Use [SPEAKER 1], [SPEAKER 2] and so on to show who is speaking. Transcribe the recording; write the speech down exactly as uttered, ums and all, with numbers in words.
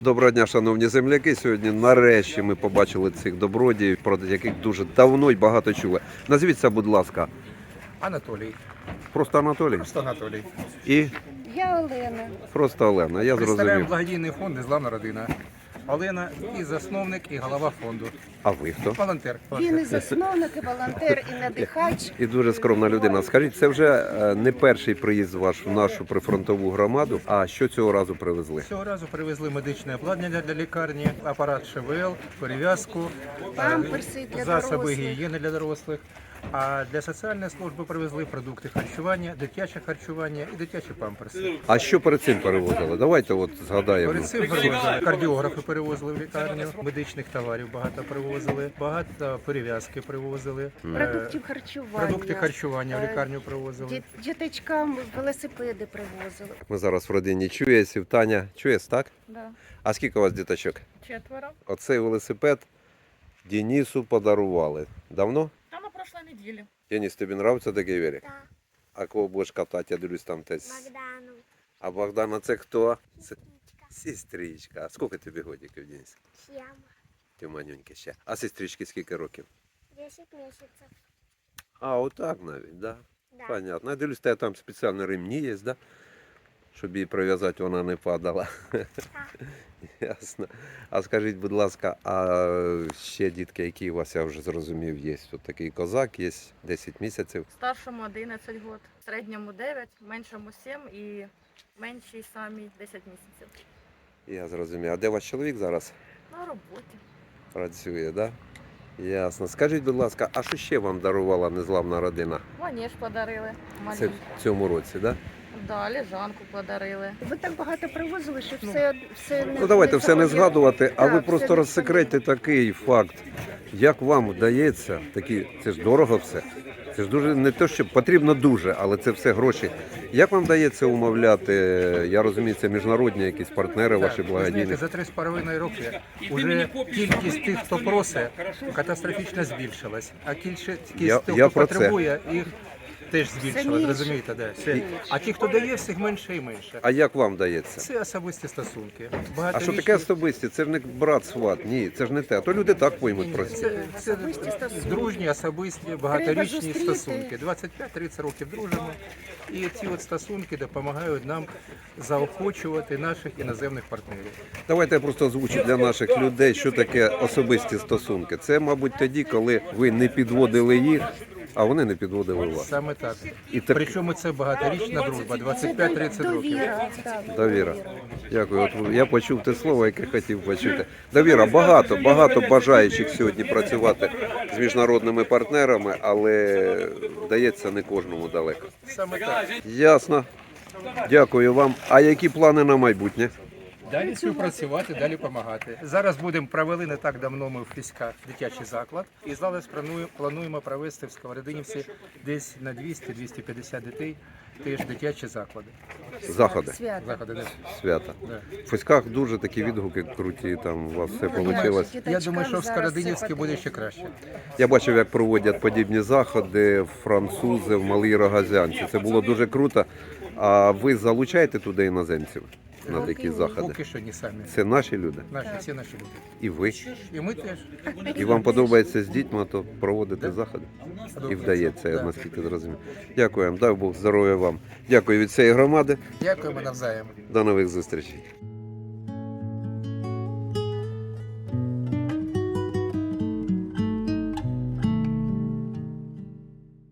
[SPEAKER 1] Доброго дня, шановні земляки. Сьогодні нарешті ми побачили цих добродіїв, про яких дуже давно і багато чули. Назвіться, будь ласка.
[SPEAKER 2] Анатолій.
[SPEAKER 1] Просто Анатолій?
[SPEAKER 2] Просто Анатолій.
[SPEAKER 1] І
[SPEAKER 3] Я Олена.
[SPEAKER 1] просто Олена, я
[SPEAKER 2] Представляємо
[SPEAKER 1] зрозумів.
[SPEAKER 2] благодійний фонд «Незламна родина». Олена і засновник, і голова фонду.
[SPEAKER 1] А ви хто?
[SPEAKER 2] Волонтер.
[SPEAKER 3] Він і засновник, і волонтер, і надихач.
[SPEAKER 1] І дуже скромна людина. Скажіть, це вже е, не перший приїзд ваш в нашу прифронтову громаду, а що цього разу привезли?
[SPEAKER 2] Цього разу привезли медичне обладнання для лікарні, апарат ШВЛ, перев'язку,
[SPEAKER 3] Памперси для
[SPEAKER 2] засоби
[SPEAKER 3] дорослих.
[SPEAKER 2] гігієни для дорослих. А для соціальної служби привезли продукти харчування, дитяче харчування і дитячі памперси.
[SPEAKER 1] А що перед цим перевозили? Давайте от згадаємо.
[SPEAKER 2] Перед цим перевозили кардіографи, перевозили в лікарню, медичних товарів багато привозили, багато перев'язки привозили, е,
[SPEAKER 3] Продуктів харчування.
[SPEAKER 2] продукти харчування в
[SPEAKER 3] Е,
[SPEAKER 2] лікарню привозили.
[SPEAKER 3] Діт- Діточкам велосипеди привозили.
[SPEAKER 1] Ми зараз в родині Чуєсів. Таня, Чуєс, так?
[SPEAKER 3] Да.
[SPEAKER 1] А скільки у вас діточок?
[SPEAKER 3] Четверо.
[SPEAKER 1] Оцей велосипед Денису подарували. Давно?
[SPEAKER 4] Та на прошлой неделе.
[SPEAKER 1] Денис, тобі подобається такий велик?
[SPEAKER 5] Да,
[SPEAKER 1] А кого будеш катати? Я дивлюсь там теж.
[SPEAKER 5] Богдану.
[SPEAKER 1] А Богдана це хто? Це сестричка. А скільки тобі годиків, Денис?
[SPEAKER 5] Сьяма.
[SPEAKER 1] Ти манюньки ще. А сестрички скільки років?
[SPEAKER 5] десять месяцев.
[SPEAKER 1] А, отак навіть, да?
[SPEAKER 5] Да.
[SPEAKER 1] Понятно. Я дивлюсь, тебе там спеціальні ремні є, да? Щоб її прив'язати, вона не падала. Ясно. А скажіть, будь ласка, а ще дітки, які у вас, я вже зрозумів, є? Тут такий козак, є десять місяців.
[SPEAKER 4] Старшому одинадцять год, середньому дев'ять, меншому сім і меншій самій десять місяців.
[SPEAKER 1] Я зрозумів. А де ваш чоловік зараз
[SPEAKER 4] На роботі.
[SPEAKER 1] працює, да? Ясно. Скажіть, будь ласка, а що ще вам дарувала незламна родина?
[SPEAKER 4] Манеж подарили.
[SPEAKER 1] Це
[SPEAKER 4] Маленький.
[SPEAKER 1] в цьому році, да?
[SPEAKER 4] Да, лежанку подарили.
[SPEAKER 3] Ви так багато привозили, що все, все не
[SPEAKER 1] Ну давайте все не
[SPEAKER 3] згодом.
[SPEAKER 1] згадувати, а
[SPEAKER 3] Так,
[SPEAKER 1] ви
[SPEAKER 3] все
[SPEAKER 1] просто
[SPEAKER 3] не
[SPEAKER 1] розсекретьте такий факт. Як вам вдається, такі, це ж дорого все. Це ж дуже не те, що потрібно дуже, але це все гроші. Як вам вдається умовляти, я розумію, це міжнародні якісь партнери ваші
[SPEAKER 2] Так, ви
[SPEAKER 1] благодійні?
[SPEAKER 2] знаєте, за три з половиною роки вже кількість тих, хто просить, катастрофічно збільшилась. А кількість
[SPEAKER 1] Я-
[SPEAKER 2] тих,
[SPEAKER 1] я
[SPEAKER 2] хто
[SPEAKER 1] про це.
[SPEAKER 2] потребує, їх теж збільшилась,
[SPEAKER 3] менше.
[SPEAKER 2] розумієте? Да. Все. А ті, хто дає, всіх менше і менше.
[SPEAKER 1] А як вам вдається?
[SPEAKER 2] Це особисті стосунки.
[SPEAKER 1] А що
[SPEAKER 2] Багаторічні-
[SPEAKER 1] таке особисті? Це ж не брат сват, ні, це ж не те. А то люди так поймуть про це.
[SPEAKER 2] Це, це
[SPEAKER 3] Особисті стосунки.
[SPEAKER 2] дружні, особисті, багаторічні
[SPEAKER 3] зустріти.
[SPEAKER 2] стосунки. двадцять п'ять тридцять років дружимо. І ці от стосунки допомагають нам заохочувати наших іноземних партнерів.
[SPEAKER 1] Давайте я просто озвучу для наших людей, що таке особисті стосунки. Це, мабуть, тоді, коли ви не підводили їх, а вони не підводили вас.
[SPEAKER 2] Саме так.
[SPEAKER 1] І так
[SPEAKER 2] Причому це багаторічна дружба, двадцять п'ять тридцять років.
[SPEAKER 3] Довіра. так.
[SPEAKER 1] довіра. Дякую. От я почув те слово, яке хотів почути. Довіра. Багато, багато бажаючих сьогодні працювати з міжнародними партнерами, але вдається не кожному далеко.
[SPEAKER 2] Саме так.
[SPEAKER 1] Ясно. Дякую вам. А які плани на майбутнє?
[SPEAKER 2] Далі співпрацювати, далі допомагати. Зараз будемо провели не так давно ми в Фіськах дитячий заклад. І зараз плануємо, плануємо провести в Сковородинівці десь на двісті - двісті п'ятдесят дітей теж дитячі заклади.
[SPEAKER 1] Заходи,
[SPEAKER 3] Свято.
[SPEAKER 2] Заходи, да.
[SPEAKER 1] свята.
[SPEAKER 2] Да.
[SPEAKER 1] В Феськах дуже такі відгуки круті, там у вас все
[SPEAKER 3] Думаю,
[SPEAKER 1] вийшло.
[SPEAKER 3] діточкам
[SPEAKER 2] Я думаю, що в
[SPEAKER 3] зараз
[SPEAKER 2] Сковородинівській
[SPEAKER 3] це
[SPEAKER 2] буде
[SPEAKER 3] потрібно.
[SPEAKER 2] ще краще.
[SPEAKER 1] Я бачив, як проводять подібні заходи французи в Малій Рогазянці. Це було дуже круто. А ви залучаєте туди іноземців на такі заходи?
[SPEAKER 2] Поки що не самі.
[SPEAKER 1] Це наші люди?
[SPEAKER 2] Наші, всі наші люди.
[SPEAKER 1] І ви?
[SPEAKER 2] І ми теж.
[SPEAKER 1] І вам подобається з дітьми, то проводити заходи? І вдається, я
[SPEAKER 2] Да.
[SPEAKER 1] наскільки зрозумів. Дякую вам, дай Бог здоров'я вам. Дякую від цієї громади.
[SPEAKER 2] Дякуємо навзаєм.
[SPEAKER 1] До нових зустрічей.